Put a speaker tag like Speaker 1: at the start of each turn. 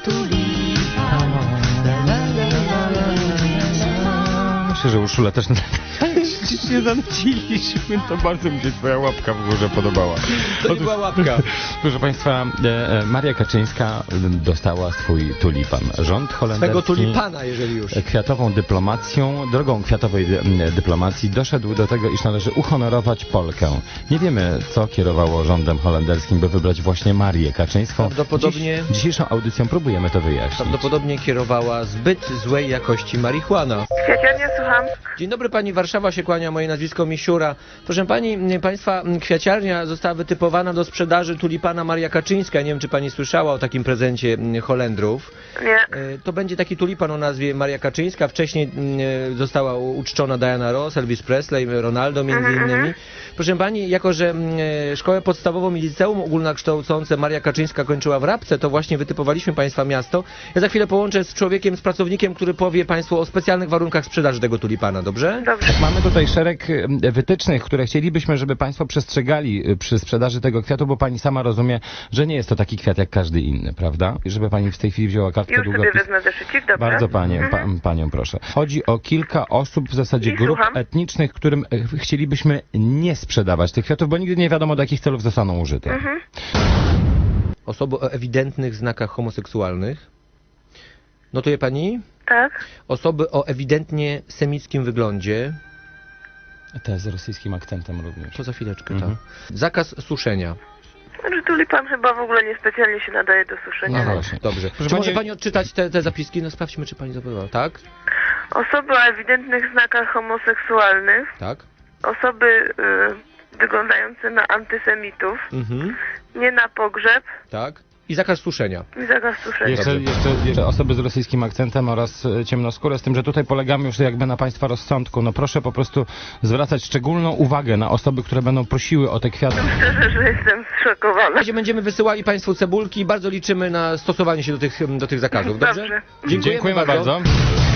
Speaker 1: Myślę, że Urszula też się zanuciliśmy, to bardzo mi się twoja łapka w górze podobała.
Speaker 2: To nie była łapka.
Speaker 1: Proszę Państwa, Maria Kaczyńska dostała swój tulipan. Rząd holenderski...
Speaker 2: Tego tulipana, jeżeli już.
Speaker 1: Kwiatową dyplomacją, drogą kwiatowej dyplomacji doszedł do tego, iż należy uhonorować Polkę. Nie wiemy, co kierowało rządem holenderskim, by wybrać właśnie Marię Kaczyńską.
Speaker 2: Prawdopodobnie...
Speaker 1: Dzisiejszą audycją próbujemy to wyjaśnić.
Speaker 2: Prawdopodobnie kierowała zbyt złej jakości marihuana.
Speaker 3: Kwiaciarnia, słucham.
Speaker 2: Dzień dobry pani, Warszawa się kłania, moje nazwisko Misiura. Proszę państwa, kwiaciarnia została wytypowana do sprzedaży tulipana Maria Kaczyńska. Nie wiem, czy pani słyszała o takim prezencie Holendrów.
Speaker 3: Nie.
Speaker 2: To będzie taki tulipan o nazwie Maria Kaczyńska. Wcześniej została uczczona Diana Ross, Elvis Presley, Ronaldo między innymi. Proszę pani, jako że szkołę podstawową i liceum ogólnokształcące Maria Kaczyńska kończyła w Rabce, to właśnie wytypowaliśmy państwa miasto. Ja za chwilę połączę z człowiekiem, z pracownikiem, który powie państwu o specjalnych warunkach sprzedaży tego tulipana, dobrze?
Speaker 3: Dobrze.
Speaker 1: Mamy tutaj szereg wytycznych, które chcielibyśmy, żeby Państwo przestrzegali przy sprzedaży tego kwiatu, bo Pani sama rozumie, że nie jest to taki kwiat jak każdy inny, prawda? Żeby Pani w tej chwili wzięła kartkę
Speaker 3: Już sobie
Speaker 1: długopis.
Speaker 3: wezmę zeszycik, dobrze?
Speaker 1: Bardzo Panią proszę. Chodzi o kilka osób, w zasadzie
Speaker 3: I
Speaker 1: grup
Speaker 3: słucham.
Speaker 1: etnicznych, którym chcielibyśmy nie sprzedawać tych kwiatów, bo nigdy nie wiadomo, do jakich celów zostaną użyte.
Speaker 2: Osoby o ewidentnych znakach homoseksualnych. Notuje pani?
Speaker 3: Tak.
Speaker 2: Osoby o ewidentnie semickim wyglądzie.
Speaker 1: Te z rosyjskim akcentem również.
Speaker 2: To za chwileczkę, tak. Zakaz suszenia.
Speaker 3: Znaczy tulipan chyba w ogóle niespecjalnie się nadaje do suszenia.
Speaker 1: No właśnie.
Speaker 2: Dobrze.
Speaker 1: Proszę
Speaker 2: Czy może
Speaker 1: pani-
Speaker 2: pani odczytać te zapiski? No sprawdźmy, czy pani zapytała. Tak?
Speaker 3: Osoby o ewidentnych znakach homoseksualnych,
Speaker 2: Tak?
Speaker 3: osoby wyglądające na antysemitów,
Speaker 2: Mhm.
Speaker 3: nie na pogrzeb
Speaker 2: Tak. I zakaz suszenia.
Speaker 3: i zakaz suszenia.
Speaker 1: Jeszcze osoby z rosyjskim akcentem oraz ciemnoskóre, z tym, że tutaj polegamy już jakby na Państwa rozsądku. No proszę po prostu zwracać szczególną uwagę na osoby, które będą prosiły o te kwiaty.
Speaker 3: Szczerze, że jestem zszokowana.
Speaker 2: Będziemy wysyłali państwu cebulki i bardzo liczymy na stosowanie się do tych zakazów. Dobrze?
Speaker 3: Dobrze.
Speaker 1: Dziękujemy bardzo.